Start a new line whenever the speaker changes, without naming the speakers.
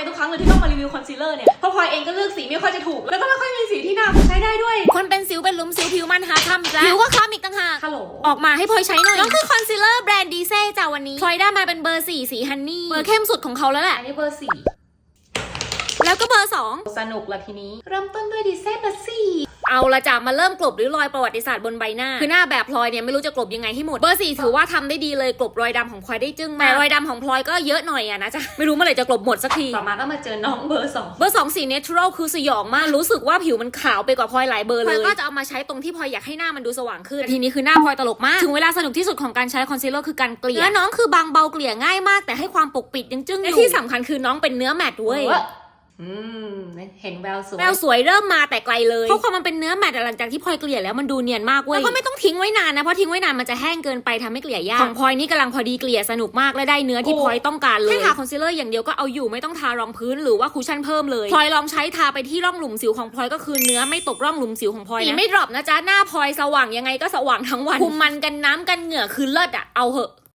ทุกครั้งเลยที่ต้องมารีวิวคอนซีลเลอร์เนี่ยเพราะพลอยเองก็เลือกสีไม่ค่อยจะถูกแล้วก็ไม่ค่อยมีสีที่หน้าใช้ได้ด้วย
คนเป็นสิวเป็นหลุมสิวผิวมันหาทำจ้ะผิวก็คล้ำอีกต่างหาก
ฮัลโหล
ออกมาให้พลอยใช้หน่อยน้องคือคอนซีลเลอร์แบรนด์ดีเซ่จ้าวันนี้พลอยได้มาเป็นเบอร์4สีฮันนี่เบอร์เข้มสุดของเขาแล้วแหละ
อันนี้เบอร์4
แล้วก็เบอร์
2สนุกละทีนี้เริ่มต้นด้วยดีเซ่เบอร์4
เอาละจ้ะมาเริ่มกลบหรือรอยประวัติศาสตร์บนใบหน้าคือหน้าแบบพลอยเนี่ยไม่รู้จะกลบยังไงให้หมดเบอร์4ถือว่าทำได้ดีเลยกลบรอยดำของพลอยได้จึ้งแต่รอยดำของพลอยก็เยอะหน่อยอะนะจ๊ะไม่รู้เมื่อไหร่จะกลบหมดสักที
ต่อมาก็มาเจอน้องเบอร์
2สี natural คือสยองมากรู้สึกว่าผิวมันขาวไปกว่าพลอยหลายเบอร์เลยพลอยก็จะเอามาใช้ตรงที่พลอยอยากให้หน้ามันดูสว่างขึ้นทีนี้คือหน้าพลอยตลกมากถึงเวลาสนุกที่สุดของการใช้คอนซีลเลอร์คือการเกลี่ยและน้องคือบางเบาเกลี่ยง่ายมากแต่ให้ความปกปิดยังจึ้งอยู่ที่สำคัญคือน้องเป็นเนื้อแมตต์เว้ย
เห็นแววสวย
เริ่มมาแต่ไกลเลยเพราะความมันเป็นเนื้อแมตต์หลังจากที่พลอยเกลี่ยแล้วมันดูเนียนมากเว้ยแล้วก็ไม่ต้องทิ้งไว้นานนะเพราะทิ้งไว้นานมันจะแห้งเกินไปทำให้เกลี่ยยากของพลอยนี่กำลังพอดีเกลี่ยสนุกมากและได้เนื้อที่พลอยต้องการเลยแค่ทาคอนซีลเลอร์อย่างเดียวก็เอาอยู่ไม่ต้องทารองพื้นหรือว่าคูชั่นเพิ่มเลยพลอยลองใช้ทาไปที่ร่องหลุมสิวของพลอยก็คือเนื้อไม่ตกร่องหลุมสิวของพลอยนะไม่ดรอปนะจ๊ะหน้าพลอยสว่างยังไงก็สว่างทั้งวันคุมมันกันน้ำกันเหงื่อคือเลิศอะเอาเหอะ